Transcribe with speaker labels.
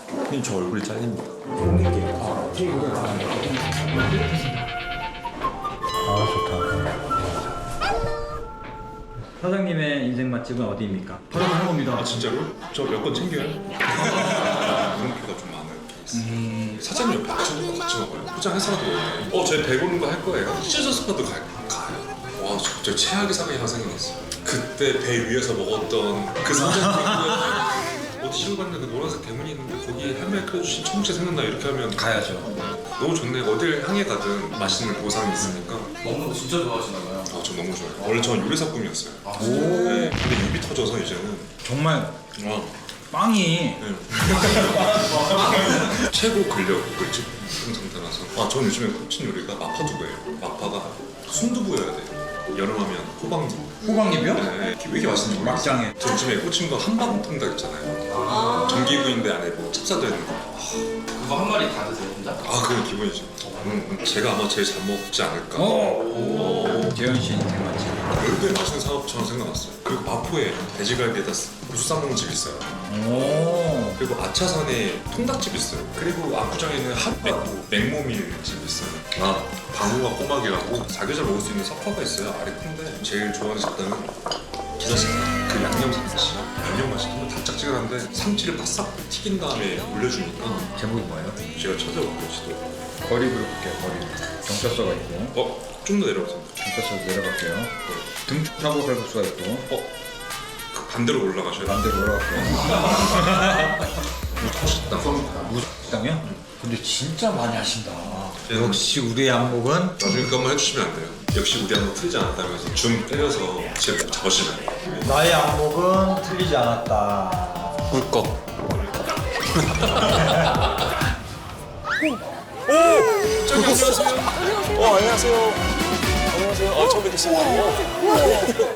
Speaker 1: 그냥 저 얼굴이 잘립니다.
Speaker 2: 아 좋다.
Speaker 3: 사장님의 인생 맛집은 어디입니까? 바로 하는 겁니다.
Speaker 4: 아 진짜로? 저 몇 건 챙겨요? 물음표가 좀 많아요. 케이스. 사장님 옆에 같이 먹어요. 포장해서라도 먹어요. 제 배부른 거 할 거예요. 찢어서라도 가요. 와, 저 최악의 상황이 하나 생각났어요. 그때 배 위에서 먹었던 그 사장님 어디 시골 갔는데 그 노란색 대문이 있는데 거기 할머니 끓여주신 청국채 생각나 이렇게 하면
Speaker 1: 가야죠.
Speaker 4: 너무 좋네. 어딜 향해 가든 맛있는 보상이 있으니까.
Speaker 5: 먹는 거 진짜 좋아하시나 봐요.
Speaker 4: 저 너무 좋아요. 원래 저는 요리사 꿈이었어요.
Speaker 1: 오.
Speaker 4: 네. 근데 입이 터져서 이제는
Speaker 1: 정말
Speaker 4: 와.
Speaker 1: 빵이
Speaker 4: 네. 최고 근력을 짚은 상태라서 저는 요즘에 꽂힌 요리가 마파두부예요. 마파가 순두부여야 돼요. 여름하면 호박잎.
Speaker 1: 호박잎이요?
Speaker 4: 네. 왜 이렇게 맛있는지 모르겠어요.
Speaker 1: 막장에.
Speaker 4: 저 요즘에 꽂힌 거 한방통닭 있잖아요. 전기구이인데 안에 뭐 찹쌀 들어있는 거.
Speaker 5: 그거 한 마리 다 드세요, 혼자?
Speaker 4: 그건 기본이죠. 제가 아마 제일 잘 먹지 않을까.
Speaker 1: 재현 씨 인생 맛집.
Speaker 4: 열대 맛있는 사업처럼 생각났어요. 그리고 마포에 돼지갈비에다 고수 싸먹는 집 있어요.
Speaker 1: 오.
Speaker 4: 그리고 아차산에 통닭집 있어요. 그리고 압구정에는 맥모밀 집 있어요. 방울과 꼬막이라고 사계절 먹을 수 있는 석화가 있어요. 알이 큰데 제일 좋아하는 식당은 기사식당. 그 양념 상치. 양념 맛이 정말 달짝지근한데 상치를 바싹 튀긴 다음에 올려주니까
Speaker 1: 제목이 뭐예요?
Speaker 4: 제가 찾아볼게요. 지도.
Speaker 1: 거리 부를게요. 거리. 경찰서가 있고.
Speaker 4: 좀 더 내려오세요.
Speaker 1: 경찰서 내려갈게요. 등촌하고 칼국수가 있고.
Speaker 4: 그 반대로 올라가셔야 돼요.
Speaker 1: 반대로 올라갈게요.
Speaker 4: 식당.
Speaker 1: 무식당이요? 근데 진짜 많이 하신다. 역시 우리의 안목은
Speaker 4: 나중에 그거 한번 해주시면 안 돼요. 역시 우리 한번 틀리지 않았다면서 줌 때려서 제 잡으시면 돼요.
Speaker 2: 나의 안목은 틀리지 않았다.
Speaker 4: 꿀꺽.
Speaker 6: 저기 안녕하세요. 안녕하세요. 안녕하세요. 처음 뵙겠습니다.